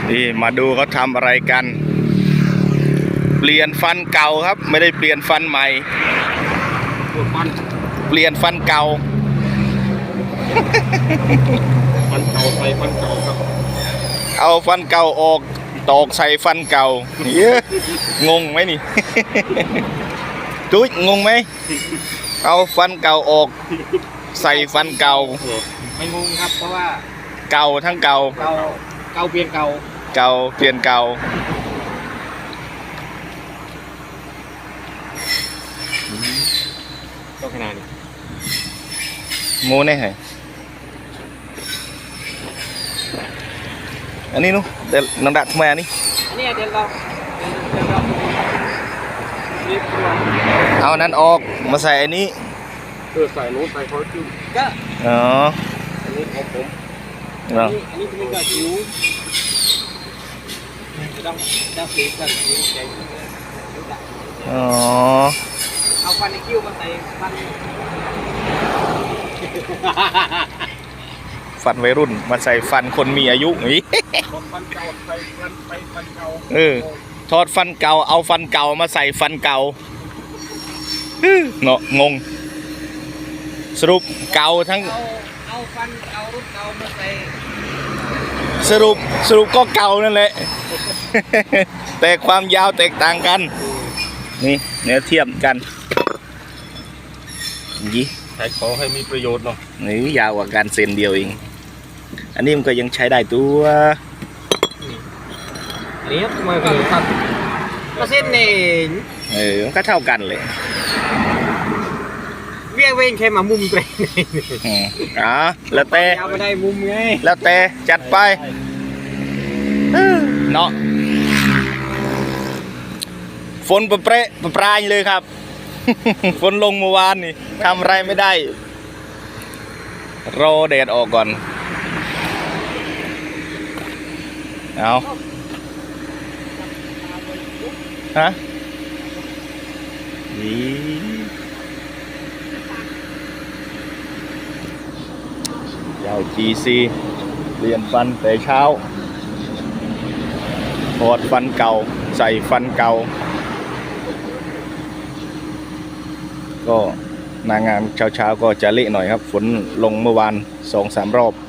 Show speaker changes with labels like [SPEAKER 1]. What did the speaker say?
[SPEAKER 1] นี่มาดูเขาทำอะไรกันเปลี่ยนฟันเก่าครับไม่ได้เปลี่ยนฟันใหม่เปลี่ยนฟันเก่า
[SPEAKER 2] ฟันเก่าใส่ฟันเก่าครับ
[SPEAKER 1] เอาฟันเก่าออกตอกใส่ฟันเก่าเยอะงงไหมนี่จุ๊ยงงไหมเอาฟันเก่าออกใส่ฟันเก่า
[SPEAKER 2] ไม่งงครับเพราะว่า
[SPEAKER 1] เก่าทั้งเก่า
[SPEAKER 2] เก่าเปลี่ยนเก่า
[SPEAKER 1] เก่าเปลี่ยนเก่า
[SPEAKER 2] ก็ขนาดนี้
[SPEAKER 1] โม่แน่เหรออันนี้นู้เดี๋ยวน้ำดัดทำไมอันนี้
[SPEAKER 2] อันนี้เดี๋ยวเรา
[SPEAKER 1] เอานั้นออกมาใส่อันนี้
[SPEAKER 2] ใส่นู้นใส่คอร์จูก็
[SPEAKER 1] อ๋อ
[SPEAKER 2] อันนี้ของผมอันนี้เป็นกระจิ๋วต้องสีกันจิ๋วแกง
[SPEAKER 1] อ๋อ
[SPEAKER 2] เอาฟันในคิ้วมาใส่ฟัน
[SPEAKER 1] วัยรุ่นมาใส่ฟันคนมีอายุนี่
[SPEAKER 2] ฟันเก่าใส่ฟันเก่า
[SPEAKER 1] ถอดฟันเก่าเอาฟันเก่ามาใส่ฟันเก่าเนาะงงสรุปเก่าทั้ง
[SPEAKER 2] เอาฟันเก่ารุ่นเก่ามาใส่
[SPEAKER 1] สรุปก็เก่านั่นแหละแต่ความยาวแตกต่างกันนี่เนื้อเทียมกันยี่
[SPEAKER 2] ใช้ขอให้มีประโยชน์เนาะ
[SPEAKER 1] นี่ยาวกว่าการเซนเดียวเองอันนี้มันก็ยังใช้ได้ตัว
[SPEAKER 2] อันนี้มาคือตัดมาเส้นเอง
[SPEAKER 1] มันก็เท่ากันเลย
[SPEAKER 2] เวียงเวงแค่มามุมตัวเอง
[SPEAKER 1] แล้วแต่
[SPEAKER 2] เอาไม่ได้มุมไง
[SPEAKER 1] แล้วแต่จัดไปเนาะฝนประปรายเลยครับฝนลงเมื่อวานนี่ทำอะไรไม่ได้รอแดดออกก่อนเอาฮะนี่ยาว GC เปลี่ยนฟันแต่เช้าถอดฟันเก่าใส่ฟันเก่าก็นางงามเช้าก็จะเละหน่อยครับฝนลงเมื่อวาน 2-3 รอบ